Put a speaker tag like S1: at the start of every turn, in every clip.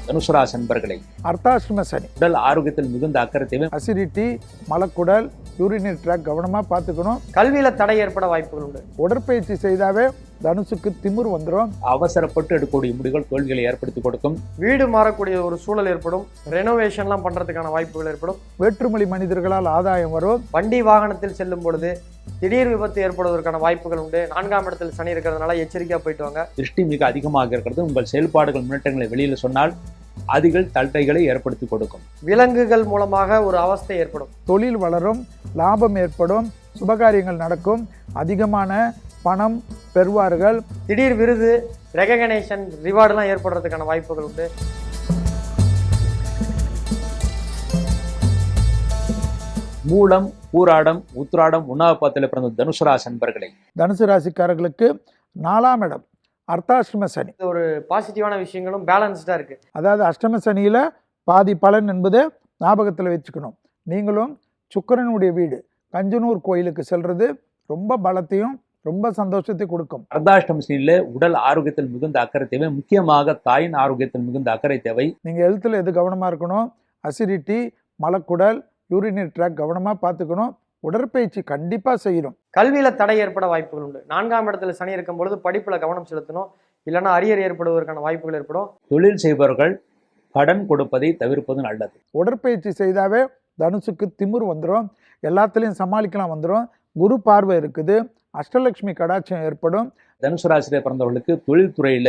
S1: தனுசு ராசி அன்பர்களே,
S2: அர்த்தாஷ்டம சனி,
S1: உடல் ஆரோக்கியத்தில் மிகுந்த அக்கறை தேவை.
S2: அசிடிட்டி, மலக்குடல், யூரினரி ட்ராக் கவனமா பார்த்துக்கணும்.
S3: கல்வியில தடை ஏற்பட வாய்ப்புகள் உண்டு.
S2: உடற்பயிற்சி செய்தாவே தனுசுக்கு திமிர் வந்துடும்.
S1: அவசரப்பட்டு எடுக்கக்கூடிய முடிவுகள் தோல்விகளை ஏற்படுத்தி கொடுக்கும்.
S3: வீடு மாறக்கூடிய ஒரு சூழல் ஏற்படும். ரெனோவேஷன்லாம் பண்றதுக்கான வாய்ப்புகள் ஏற்படும்.
S2: வேற்றுமொழி மனிதர்களால் ஆதாயம் வரும்.
S3: வண்டி வாகனத்தில் செல்லும் பொழுது திடீர் விபத்து ஏற்படுவதற்கான வாய்ப்புகள் உண்டு. 4ஆம் இடத்தில் சனி இருக்கிறதுனால எச்சரிக்கையா போயிட்டு வாங்க.
S1: திருஷ்டி மிக அதிகமாக இருக்கிறது. உங்கள் செயல்பாடுகள் முன்னேற்றங்களை வெளியில சொன்னால் அதிகள் தட்டைகளை ஏற்படுத்தி கொடுக்கும்.
S3: விலங்குகள் மூலமாக ஒரு அவஸ்தை ஏற்படும்.
S2: தொழில் வளரும், லாபம் ஏற்படும், சுபகாரியங்கள் நடக்கும், அதிகமான பணம் பெறுவார்கள்.
S3: திடீர் விருது, ரெகக்னேஷன், ரிவார்டுலாம் ஏற்படுறதுக்கான வாய்ப்புகள் உண்டு.
S1: மூலம், பூராடம், உத்திராடம், உண்ணாவது பாத்தில பிறந்த தனுசு ராசி அன்பர்களே,
S2: தனுசு ராசிக்காரர்களுக்கு 4ஆம் இடம் அர்த்தாஷ்டம சனி.
S3: ஒரு பாசிட்டிவான விஷயங்களும் பேலன்ஸ்டா இருக்கு.
S2: அதாவது அஷ்டம சனியில பாதி பலன் என்பது ஞாபகத்தில் வச்சுக்கணும். நீங்களும் சுக்கிரனுடைய வீடு கஞ்சனூர் கோயிலுக்கு செல்றது ரொம்ப பலத்தையும் ரொம்ப சந்தோஷத்தை கொடுக்கும்.
S1: அர்த்தாஷ்டம சனியில உடல் ஆரோக்கியத்தில் மிகுந்த அக்கறை தேவை. முக்கியமாக தாயின் ஆரோக்கியத்தில் மிகுந்த அக்கறை தேவை.
S2: நீங்க ஹெல்த்தில் எது கவனமா இருக்கணும்? அசிடிட்டி, மலக்குடல், யூரினரி ட்ராக் கவனமா பார்த்துக்கணும். உடற்பயிற்சி கண்டிப்பா செய்யணும்.
S3: கல்வியில தடை ஏற்பட வாய்ப்புகள் உண்டு. 4ஆம் இடத்துல சனி இருக்கும் பொழுது படிப்புல கவனம் செலுத்தணும். இல்லைன்னா அரியர் ஏற்படுவதற்கான வாய்ப்புகள் ஏற்படும்.
S1: தொழில் செய்பவர்கள் கடன் கொடுப்பதை தவிர்ப்பது நல்லது.
S2: உடற்பயிற்சி செய்தாவே தனுசுக்கு திமிர் வந்துடும். எல்லாத்துலேயும் சமாளிக்கலாம் வந்துடும். குரு பார்வை இருக்குது. அஷ்டலட்சுமி கடாட்சம் ஏற்படும்.
S1: தனுசு ராசியில பிறந்தவர்களுக்கு தொழில்துறையில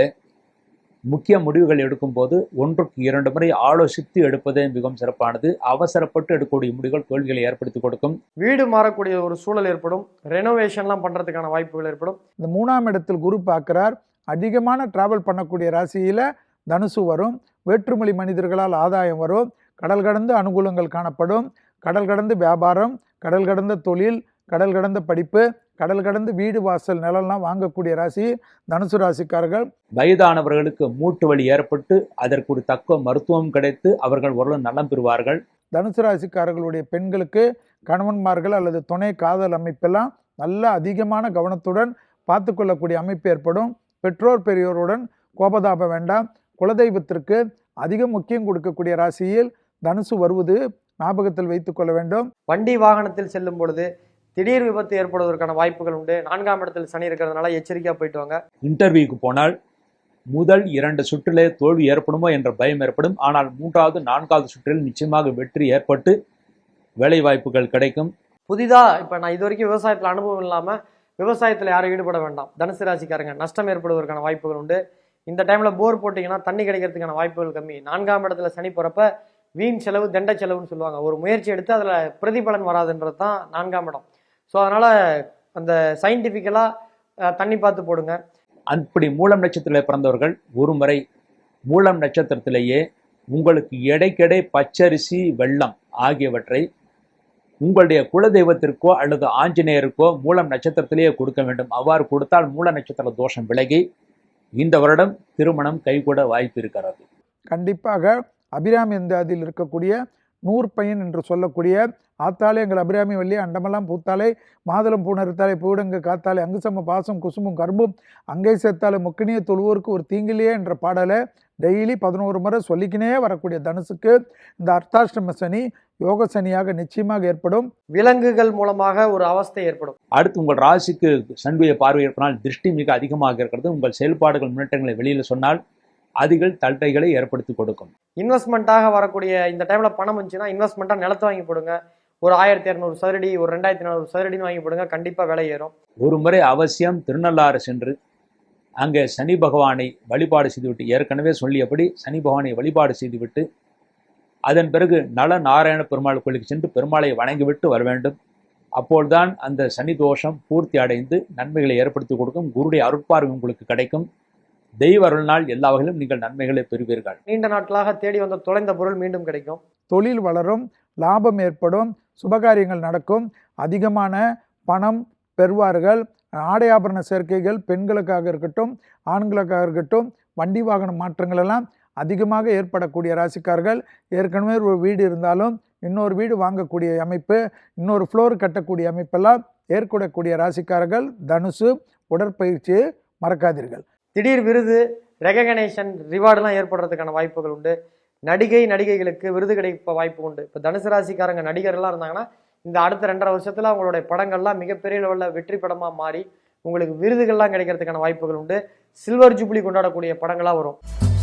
S1: முக்கிய முடிவுகள் எடுக்கும் போது 1க்கு 2 முறை ஆலோசித்து எடுப்பதே மிகவும் சிறப்பானது. அவசரப்பட்டு எடுக்கக்கூடிய முடிவுகள் தோல்விகளை ஏற்படுத்தி கொடுக்கும்.
S3: வீடு மாறக்கூடிய ஒரு சூழல் ஏற்படும். ரெனோவேஷன்லாம் பண்றதுக்கான வாய்ப்புகள் ஏற்படும்.
S2: இந்த 3ஆம் இடத்தில் குரு பார்க்கிறார். அதிகமான டிராவல் பண்ணக்கூடிய ராசியில தனுசு வரும். வேற்றுமொழி மனிதர்களால் ஆதாயம் வரும். கடல் கடந்து அனுகூலங்கள் காணப்படும். கடல் கடந்து வியாபாரம், கடல் கடந்த தொழில், கடல் கடந்த படிப்பு, கடல் கடந்து வீடு வாசல் நிலம்லாம் வாங்கக்கூடிய ராசி தனுசு ராசிக்காரர்கள்.
S1: வயதானவர்களுக்கு மூட்டு வலி ஏற்பட்டு அதற்கு ஒரு தக்க மருத்துவம் கிடைத்து அவர்கள் ஓரளவு நலம் பெறுவார்கள்.
S2: தனுசு ராசிக்காரர்களுடைய பெண்களுக்கு கணவன்மார்கள் அல்லது துணை காதல் அமைப்பெல்லாம் நல்ல அதிகமான கவனத்துடன் பார்த்து கொள்ளக்கூடிய அமைப்பு ஏற்படும். பெற்றோர் பெரியோருடன் கோபதாபம் வேண்டாம். குலதெய்வத்திற்கு அதிக முக்கியம் கொடுக்கக்கூடிய ராசியில் தனுசு வருவது ஞாபகத்தில் வைத்துக் கொள்ள வேண்டும்.
S3: வண்டி வாகனத்தில் செல்லும் பொழுது திடீர் விபத்து ஏற்படுவதற்கான வாய்ப்புகள் உண்டு. 4ஆம் இடத்தில் சனி இருக்கிறதுனால எச்சரிக்கையா போயிட்டு வாங்க.
S1: இன்டர்வியூக்கு போனால் முதல் 2 சுற்றிலே தோல்வி ஏற்படுமோ என்ற பயம் ஏற்படும். ஆனால் 3வது 4வது சுற்றில் நிச்சயமாக வெற்றி ஏற்பட்டு வேலை வாய்ப்புகள் கிடைக்கும்.
S3: புதிதா இப்ப நான் இது வரைக்கும் விவசாயத்துல அனுபவம் இல்லாம விவசாயத்துல யாரும் ஈடுபட வேண்டாம். தனுசு ராசிக்காரங்க நஷ்டம் ஏற்படுவதற்கான வாய்ப்புகள் உண்டு. இந்த டைம்ல போர் போட்டீங்கன்னா தண்ணி கிடைக்கிறதுக்கான வாய்ப்புகள் கம்மி. 4ஆம் இடத்துல சனி போறப்ப வீண் செலவு, தண்ட செலவுன்னு சொல்லுவாங்க. ஒரு முயற்சி எடுத்து அதுல பிரதிபலன் வராதுன்றது தான் 4ஆம் இடம். ஸோ அதனால அந்த சயின்டிஃபிக்கலா தண்ணி பார்த்து போடுங்க.
S1: அப்படி மூலம் நட்சத்திரத்தில் பிறந்தவர்கள் ஒரு முறை மூலம் நட்சத்திரத்திலேயே உங்களுக்கு எடைக்கெடை பச்சரிசி, வெள்ளம் ஆகியவற்றை உங்களுடைய குலதெய்வத்திற்கோ அல்லது ஆஞ்சநேயருக்கோ மூலம் நட்சத்திரத்திலேயே கொடுக்க வேண்டும். அவ்வாறு கொடுத்தால் மூல நட்சத்திர தோஷம் விலகி இந்த வருடம் திருமணம் கைகூட வாய்ப்பு இருக்கிறது.
S2: கண்டிப்பாக அபிராமி எந்தாதியில் இருக்கக்கூடிய நூற்பயன் என்று சொல்லக்கூடிய ஆத்தாலே எங்கள் அபிராமி வள்ளி அண்டமெல்லாம் பூத்தாலே மாதுளம் பூணறுத்தாலே பூடங்கு காத்தாலே அங்குசம பாசம் குசுமும் கரும்பும் அங்கை சேர்த்தாலே முக்கினிய தொழுவோருக்கு ஒரு தீங்கிலேயே என்ற பாடலை டெய்லி 11 முறை சொல்லிக்கினே வரக்கூடிய தனுசுக்கு இந்த அர்த்தாஷ்டம சனி யோக சனியாக நிச்சயமாக ஏற்படும்.
S3: விலங்குகள் மூலமாக ஒரு அவஸ்தை ஏற்படும்.
S1: அடுத்து உங்கள் ராசிக்கு சனியுடைய பார்வை ஏற்பனால் திருஷ்டி மிக அதிகமாக இருக்கிறது. உங்கள் செயல்பாடுகள் முன்னேற்றங்களை வெளியில சொன்னால் அதிகள் தட்டைகளை ஏற்படுத்தி கொடுக்கும்.
S3: இன்வெஸ்ட்மெண்ட்டாக வரக்கூடிய இந்த டைம்ல பணம் வந்துச்சுன்னா இன்வெஸ்ட்மெண்ட்டா நிலத்தை வாங்கி போடுங்க. ஒரு 1200 சதுரடி, ஒரு 2400 சதுரடின்னு வாங்கி போடுங்க. கண்டிப்பா விலை ஏறும்.
S1: ஒரு முறை அவசியம் திருநள்ளாறு சென்று அங்கே சனி பகவானை வழிபாடு செய்துவிட்டு, ஏற்கனவே சொல்லியபடி சனி பகவானை வழிபாடு செய்துவிட்டு அதன் பிறகு நல நாராயண பெருமாள் கோயிலுக்கு சென்று பெருமாளை வணங்கிவிட்டு வர வேண்டும். அப்போதுதான் அந்த சனி தோஷம் பூர்த்தி அடைந்து நன்மைகளை ஏற்படுத்தி கொடுக்கும். குருடைய அருட்பார்வை உங்களுக்கு கிடைக்கும். தெய்வ அருள்நாள் எல்லா வகையிலும் நீங்கள் நன்மைகளை பெறுவீர்கள்.
S3: நீண்ட நாட்களாக தேடி வந்த தொலைந்த பொருள் மீண்டும் கிடைக்கும்.
S2: தொழில் வளரும், லாபம் ஏற்படும், சுபகாரியங்கள் நடக்கும், அதிகமான பணம் பெறுவார்கள். ஆடை ஆபரண சேர்க்கைகள் பெண்களுக்காக இருக்கட்டும் ஆண்களுக்காக இருக்கட்டும், வண்டி வாகன மாற்றங்கள் எல்லாம் அதிகமாக ஏற்படக்கூடிய ராசிக்காரர்கள். ஏற்கனவே ஒரு வீடு இருந்தாலும் இன்னொரு வீடு வாங்கக்கூடிய அமைப்பு, இன்னொரு ஃப்ளோர் கட்டக்கூடிய அமைப்பெல்லாம் ஏற்படக்கூடிய ராசிக்காரர்கள் தனுசு. உடற்பயிற்சியை மறக்காதீர்கள்.
S3: திடீர் விருது, ரெகக்னேஷன் ரிவார்டுலாம் ஏற்படுறதுக்கான வாய்ப்புகள் உண்டு. நடிகைகளுக்கு விருது கிடைக்க வாய்ப்பு உண்டு. இப்போ தனுசு ராசிக்காரங்க நடிகர்லாம் இருந்தாங்கன்னா இந்த அடுத்த 2.5 வருஷத்துல அவங்களுடைய படங்கள்லாம் மிகப்பெரிய லெவலில் வெற்றி படமா மாறி உங்களுக்கு விருதுகள்லாம் கிடைக்கிறதுக்கான வாய்ப்புகள் உண்டு. சில்வர் ஜூப்ளி கொண்டாடக்கூடிய படங்களா வரும்.